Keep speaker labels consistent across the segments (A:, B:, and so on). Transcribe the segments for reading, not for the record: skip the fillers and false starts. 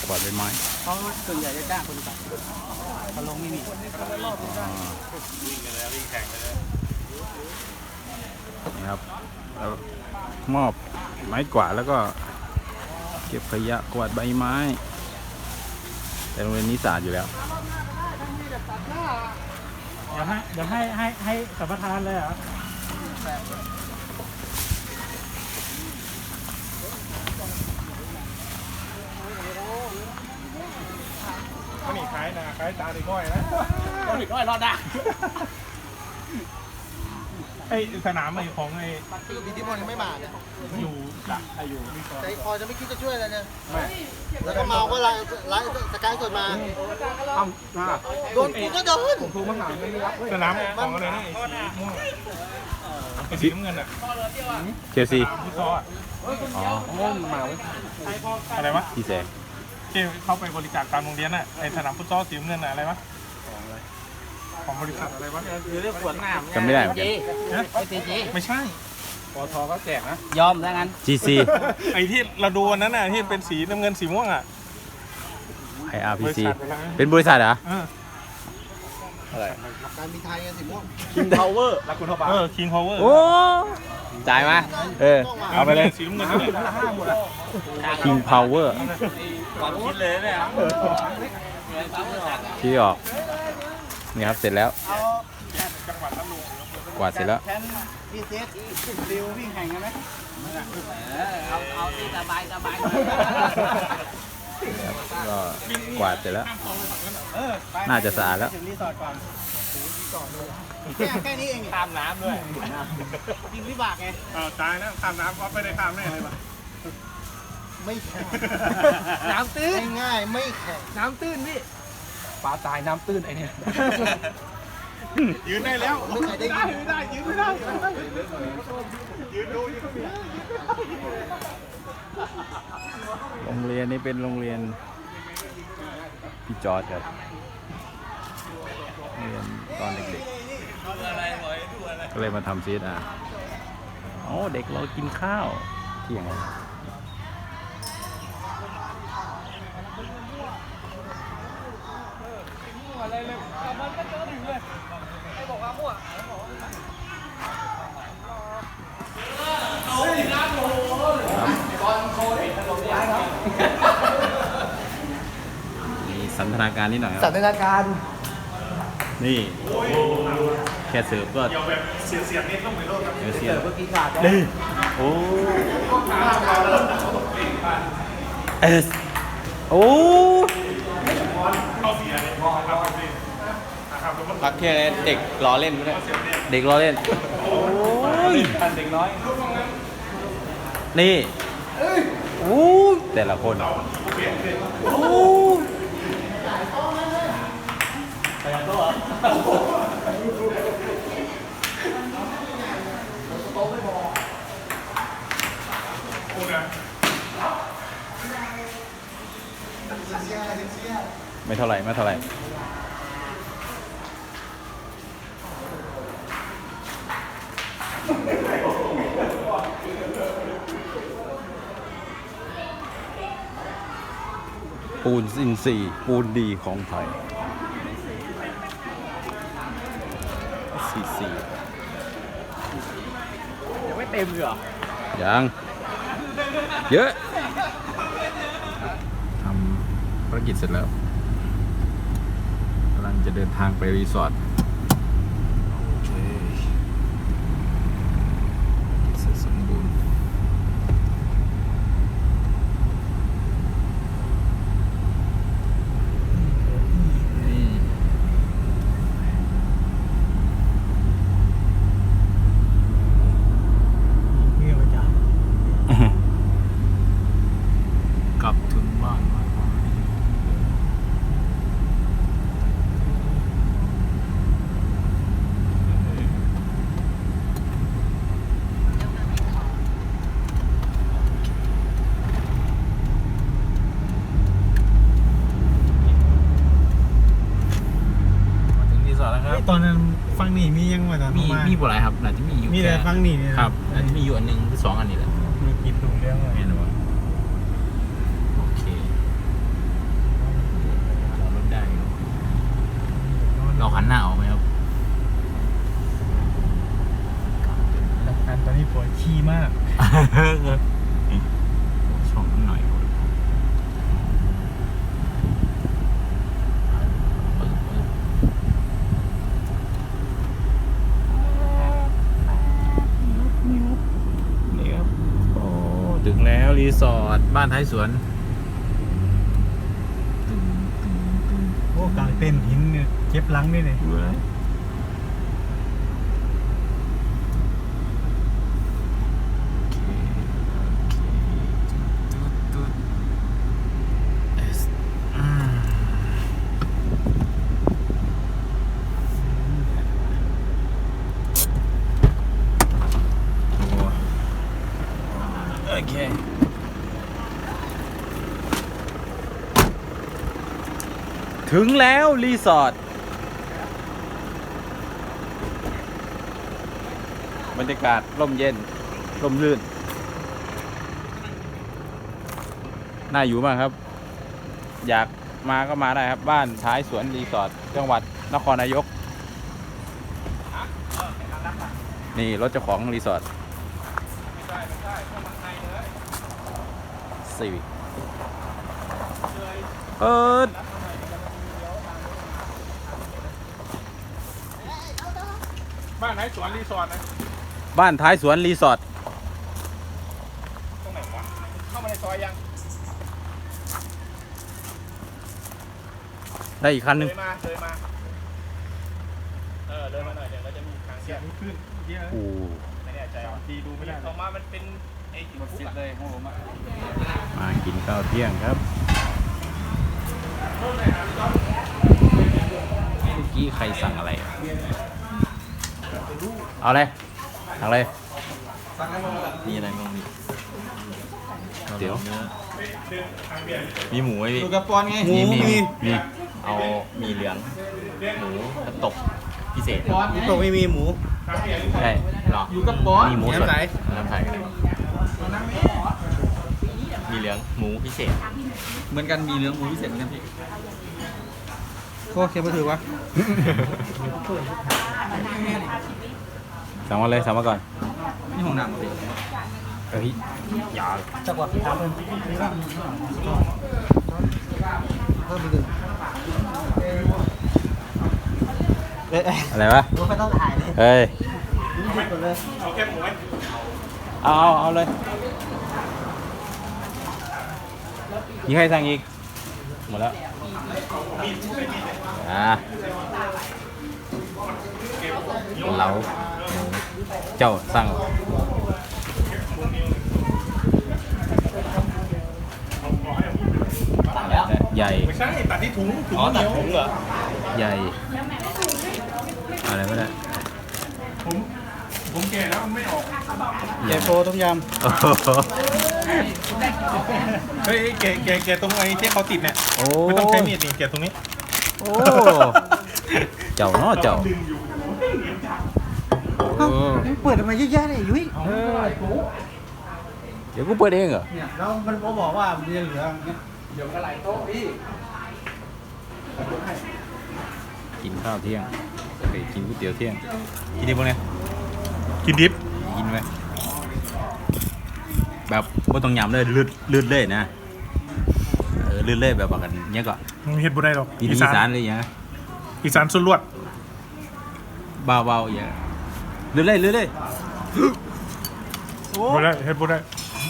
A: กวาดใบไม้
B: เขาส่วนใหญ่จะจ้างคนตัดเขาลงไม่มี
A: นี่ครับแล้วมอบไม้กวาดแล้วก็เก็บขยะกวาดใบไม้แต่โรงเรียนนี้สะอาดอยู่แล้ว
B: เดี๋ยวให้สัมปทานเลยเหรอ
C: มันนี่ขายนะขายตาดีก้อยนะ
B: ก็หลีกน้อยรอดได้
C: ไอสนามไอของไอ
D: มีที่มันไม่มาเนี่ย
C: อยู่ละอยู่
D: ใจคอจะไม่คิดจะช่วยอะไรเนี่ยแล้วก็เมาก็ไล่สกายสดมาโดนกูก็โดนผมถูกมาหาไม่รับ
C: สนามของอะไรนะไอสีน้ำเงินอ่ะ
A: เชลซี
C: ฟุตซอล
A: อ๋อ
D: มา
C: อะไรวะ
A: พี่แสง
C: ที่เข้าไปบริจาคตามโรงเรียนน่ะไอสนามฟุตซอลสีน้ำเงินอะไรวะของบริษัทอะไรวะ
B: คือเรื่องขวดน้ำ
A: จำไม่ได้เหมือนกัน
C: ไม่ใช่
B: ปอทก็แจกนะยอมถ้างั้น
A: GC
C: ไอที่เราดูวันนั้นน่ะที่เป็นสีน้ำเงินสีม่วงอ่ะ
A: IRPC เป็นบริษัทเหรอ
D: อะไรการบินไทยกันสิม่วง
A: King Power
C: รักคุณเท่าบ้าKing Power
A: โอ้จ่ายมาเอาไปเลย
C: สีน้ำเงิน
A: King Power
B: ความคิดเลยเนี่ย
A: ที่ออกนี่ครับเสร็จแล้วกวาดเสร็จแล้ว
B: พี่เซตดิววิ่งแข่งกันไหมเอาที่สบาย
A: ก็กวาดเสร็จแล้วน่าจะสะอาดแล้ว
D: แค่นี้เอง
B: ข้ามน้ำด้วยยิงวิบากไง
C: ตายนะข้ามน้ำเพราะไม่ได้ข้ามแน่เลยป่ะ
D: ไม่แข็ง
B: น้ำตื้น
D: ง่ายไม่แข็ง
B: น้ำตื้นพี่ปลาตายน้ำตื้นไอเนี่ย
C: ยืนได้แล้วยืนได้ยืนไม่ได้ยืนดู
A: โรงเรียนนี้เป็นโรงเรียนพี่จอร์จครับเรียนตอนเด็กๆก็เลยมาทำซีดอ๋อเด็กเรากินข้าวเที่ยง
B: อะไรเลยมันก็เจอถึงเลยไอ้บอกว่ามั่ว
A: มีสันทนาการนิดหน่อยครับ
D: สันทนาการ
A: นี่แค่เสิร์ฟก็
C: เสียบนิดต้องไปโลด
A: เสียบ
D: เมื่อกี้ขาด
A: นี่โอ้โอ้
C: เข้าเสียเลย
B: พักแค่เด็กล้อเล่นไม่ได้
A: เด็กล้อเล่นโอ้ย
B: เด็กน้อย
A: นี่โอ้แต่ละคนโอ้ไม่เท่าไหร่ปูนอินทรีย์ปูนดีของไทย44
B: ยังไม่เต็มเลยเหรอ
A: ยังเยอะทำภารกิจเสร็จแล้วกำลังจะเดินทางไปรีสอร์ทโอเคเสร็จสมบูรณ์กลับถึงบ้าน
D: ตอนนั้นฟังนี่มียังไงนะ
A: มีบ่ไรครับน่าจะมีอยู่
D: มีแต่ฟังนี่
A: ครับน่าจะมีอยู่อันนึงหรือ2 อันนี่แหละ
D: มีกินตรงเรื่องอะไร
A: แม่นบ่โอเคสอร์ทบ้านท้ายสวน
D: โอ้กลางเต้นหินเนี่ยเจ็บหลังนี่เลย
A: โอเคถึงแล้วรีสอร์ทบรรยากาศร่มเย็นร่มรื่นน่าอยู่มากครับ อยากมาก็มาได้ครับบ้านท้ายสวนรีสอร์ทจังหวัดนครนายกนี่รถเจ้าของรีสอร์ทซีวิคเปิด
C: บ้านไหนสวนรีสอร์ทนะ
A: บ้านท้ายสวนรีสอร์ท
C: ตรงไหนวะเข้ามาในซอยยัง
A: ได้อีกคันหนึง
C: เลยมาเลยมาหน่อยเดี๋ยวเราจะมีทางเสียขึ้นเยอะ
A: โอ้
C: ไม่แน่ใจดีดูไม่ได้ออกมามันเป็นไอ้หมดสิทธิ์เลยของผมอ่ะ
A: มากินข้าวเที่ยงครับเมื่อกี้ใครสั่งอะไรอะเอาเลยสั่งเลย
E: มีอะไรบ้างพี่
A: เดี๋ยว
E: เนื้อมีหมูไหมพี่
D: ดูกระปอนไง
A: มี
E: เอามีเหลืองหมูกระตกพิเศษ
D: ตกไม่มีหมู
A: ใช่
E: หรอ
D: อยู่กระปอน
A: มีหมูสด
E: น้ำไทยมีเหลืองหมูพิเศษ
D: เหมือนกันมีเนื้อหมูพิเศษเหมือนกันพี่โคเค็มมาถือวะ
A: สั่งมาเลยสั่งมาก่อน
D: นี่ห้องน้ำมาพี่
A: เฮ้ยอย่า
D: จักว่าถามเพิ่มเพิ่มไปดึง
A: อะไรวะ
D: รู้ไม่ต้องถ่ายเลย
A: เฮ้ย
D: รู้สึกหมดเลย
C: เอาแค่หมูไหม
A: เอาเลยมีใครสั่งอีกหมดแล้วเราหมูเจ้าสั่งใหญ่
C: ไม่ใช่ตัดที่ถุง
E: อ๋อตัดถุงเหรอ
A: ใหญ่อะไรไม่ได้
C: ผมแก่แล้วมันไม่ออก
A: ใหญ่
D: โฟต้มย
A: โอ้โห
C: เฮ้ยแกตรงไอ้ที่เขาติดเนี่ย
A: โอ้
C: ไม่ต้องใช้มีดนี่แกตรงนี้
A: โอ้เจ้าเนาะเจ้าโอ้
D: ำเปิดทำไมเยอะแยะเนี่ยยุ้ย
A: เดี๋ยวกูเปิดเองเหรอ
D: เนี่ยแล้วมันบอกว่ามันจะเหลือ
A: กินข้าวเที่ยงไปกินก๋วยเตี๋ยวเที่ยงกินได้ปะเนี่ย
C: กินดิบ
A: กินไหมแบบบ่ต้องยำเลยลืดเลยนะลืดเลยแบบว่ากันเนี้ยก็
C: เฮ็ดบุได้หรอก
A: อีสานเลยอย่างเงี้ย
C: อีสานสุดลวด
A: เบาๆอย่างลืดเลย
C: บุได้เฮ็ดบุได้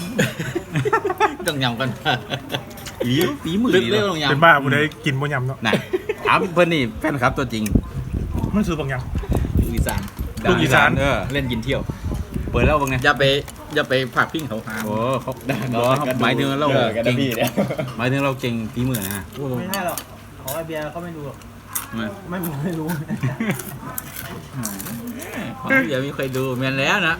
E: ต้องยำกัน
A: ฝีมือ
E: ลึก
A: นี่
E: เรื่อง
A: เนาะ
E: ลงยำ
C: เป็นบ้าบุได้กินบ่ยำเนาะ
A: น่ะถามเพื่อนนี่แฟนคลับตัวจริง
C: มันคือบางอย่าง
E: ลูกอีสาน
C: ลูกอีสาน
E: เล่นกินเที่ยว
A: เปิดแล้วบ้างไง
E: อย่าไปผักพิ้งเขา
A: โอ้เขาหมายถึงเราเก่ง
E: พี่เนี่ย
A: หมายถึงเราเก่งฝีมือนะ
D: ไม่ใช่หรอกของไอเบียร์เขาไม่ดูหรอก
A: มา
D: ไม่รู้
E: ของพี่ยังไม่เคยดูแมนแล้วนะ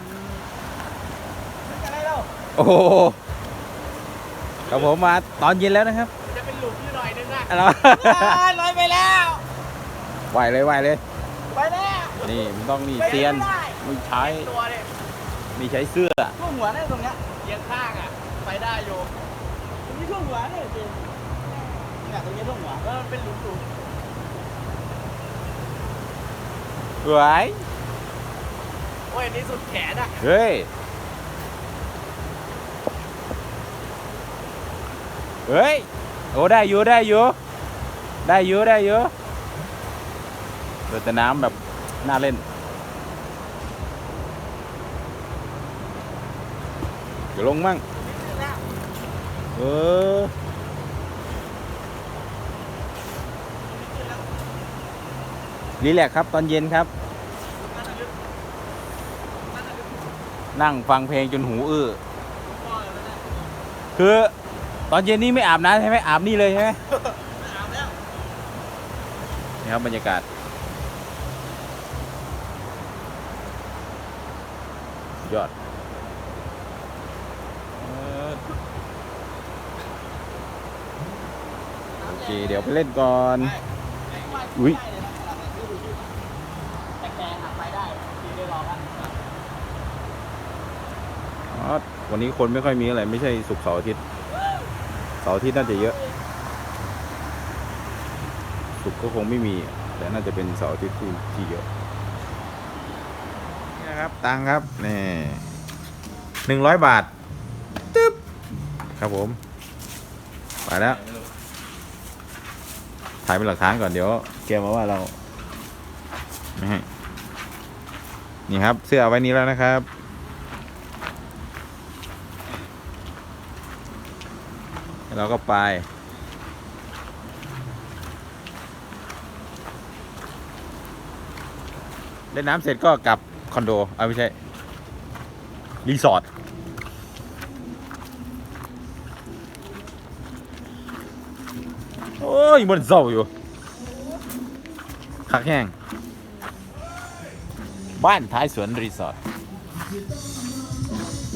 A: โอ้โหครับผมมาตอนเย็นแล้วนะครับ
B: จะเป็นหลุมอยู่หน่อยนึงอะ
A: อะไรวะ
B: ลอยไปแล้ว
A: ไหวเลย
B: ไปแล้ว
A: นี่มันต้องนี่เซียนไม่ใช้
B: ตัวเนี่ย
A: ไม่ใช้เสื้อ
D: ช่วงหัวเนี่ยตรงเนี้ย
B: เอียงข้างอ่ะ ไปได้อยู่
D: ตรงนี้ช่วงหัวเนี่ยจริงเนี่ยตรงนี้ช่วงหัว
B: แล้วมันเป็นหลุม
A: สวย
B: ๆโอ้ยอันนี้สุดแขนอ่ะ
A: เฮ้ยโอ้ได้อยู่เปิดแต่น้ำแบบน่าเล่นเดี๋ยวลงมั่งเออรีแลกซ์ครับตอนเย็นครับ นั่งฟังเพลงจนหูอื้อคือตอนเย็นนี้ไม่อาบน้ำใช่ไหมอาบนี่เลยใช่ไหมนี่ครับบรรยากาศยอดโอเคเดี๋ยวไปเล่นก่อนอุ้ย
B: แต่แกหักไปได้ที่ได้ลองแล้ว
A: อ๋อวันนี้คนไม่ค่อยมีอะไรไม่ใช่ศุกร์เสาร์อาทิตย์เสาร์อาทิตย์น่าจะเยอะศุกร์ก็คงไม่มีแต่น่าจะเป็นเสาร์อาทิตย์ที่เยอะนี่นะครับตังค์ครับนี่100 บาทตึ๊บครับผมไปแล้วถ่ายเป็นหลักฐานก่อนเดี๋ยวแกมาว่าเราไม่ให้นี่ครับเสื้อเอาไว้นี้แล้วนะครับเราก็ไปเล่นน้ำเสร็จก็กลับคอนโดเอาไม่ใช่รีสอร์ทโอ้ยมันเศร้าอยู่คักแห้งบ้านท้ายสวนรีสอร์ท